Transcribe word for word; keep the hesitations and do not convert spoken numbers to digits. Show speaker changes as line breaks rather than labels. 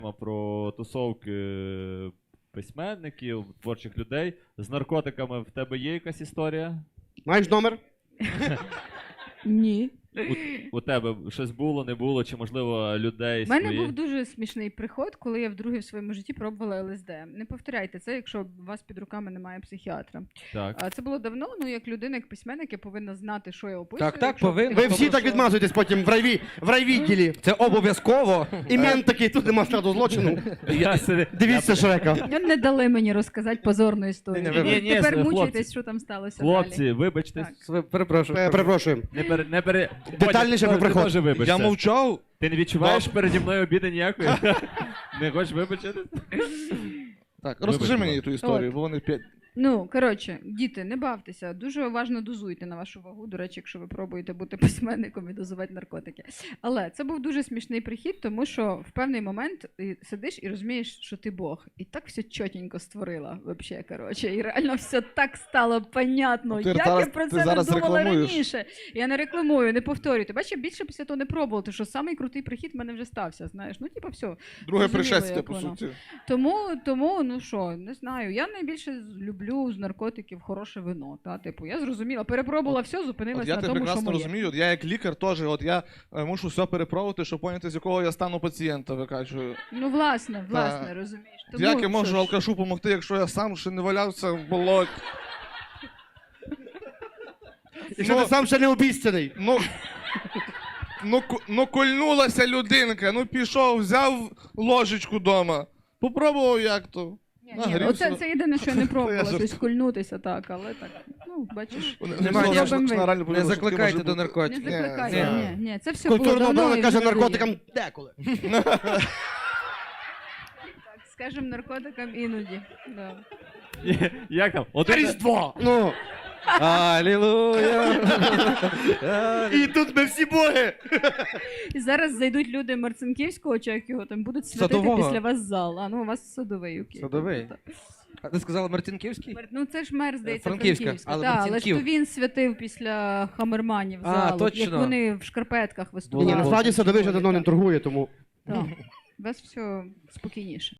Про тусовки письменників, творчих людей. З наркотиками в тебе є якась історія?
Маєш номер?
Ні.
У, у тебе щось було, не було, чи, можливо, людей
У мене
свої?
був дуже смішний приход, коли я вдруге в своєму житті пробувала ел ес де. Не повторяйте це, якщо у вас під руками немає психіатра.
Так.
А це було давно, ну як людина, як письменник, я повинна знати, що я описую.
Так, так,
якщо
повинна.
Ви
типу,
всі так
що-
відмазуєтесь потім в райві, в райвідділі.
Це обов'язково.
Імен такий, тут нема складу злочину.
Я собі-
Дивіться Шрека.
Ну, не дали мені розказати позорну історію.
Ні, ні, ви-
ні, ні,
Тепер
хлопці.
мучайтесь, що там сталося далі.
Хлопці, вибачте.
Так.
Перепрошую.
Е, Перепрошуємо.
Не пере, не пере...
Детальніше
Бодя,
про
ти
приход.
теж вибачся.
Я мовчав.
Ти не відчуваєш переді мною обіди ніякої? Не хочеш вибачити?
Так,
Вибач,
розкажи
будь
мені
ласка.
ту історію,
От.
бо вони п'ять.
Ну, коротше, діти, не бавтеся. Дуже уважно дозуйте на вашу вагу. До речі, якщо ви пробуєте бути письменником і дозувати наркотики. Але це був дуже смішний прихід, тому що в певний момент ти сидиш і розумієш, що ти Бог. І так все чотенько створила, взагалі, коротше. І реально все так стало понятно.
Ну, ти
Як
зараз-
я про
ти
це не
зараз
думала
рекламуєш.
раніше. Я не рекламую, не повторюю. Ти бачиш, я більше після того не пробувала, тому що самий крутий прихід в мене вже стався, знаєш. Ну, типа, все.
Друге
Зрозуміло,
пришестя,
як
по
воно.
суті.
Тому, тому, ну що, не знаю. Я найбільше люблю з наркотиків хороше вино. Та, типу, я зрозуміла, перепробувала все,
От
зупинилася
я
на
тебе
тому, що
прекрасно
моє.
розумію, от я як лікар теж, от я е, мушу все перепробувати, щоб поняти, з якого я стану пацієнта викачую.
Ну, власне, власне,
Та.
розумієш. Тому,
Як я можу
що ж,
алкашу допомогти, якщо я сам ще не валявся в болоті?
Якщо ти сам ще не обіцяний.
Ну, ну, ку- ну кольнулася людинка, ну пішов, взяв ложечку вдома, попробував як то.
Ні, ні,
нагрівся.
оце це єдине, що я не пробувала,
Я
щось кольнутися так, але так, ну, бачиш.
Немає ніякого
зробимо ви.
Не закликайте до
Не
наркотиків.
закликайте,
ні.
ні, ні, це все було
Культурна
давно
мова
і
каже
вже не
наркотикам
діє.
деколи.
Так, скажем, наркотикам іноді. Да.
Як там? Один...
Різдво! Ну,
Алілуя.
і тут ми всі боги.
І зараз зайдуть люди Марцинківського, чи як його там, будуть святити
Садового.
після вас зал. А ну, у вас садовий, окей.
Садовий?
Так.
А ти сказала Мартинківський?
Мер- Ну це ж мер, здається,
Франківська,
Франківська.
але
Так, але ж
Марцинків.
то він святив після Хамерманів
А,
залу,
точно.
як вони в шкарпетках
Ні,
виступали.
ні, насправді садовий вже давно не торгує, тому...
Так. У вас все спокійніше.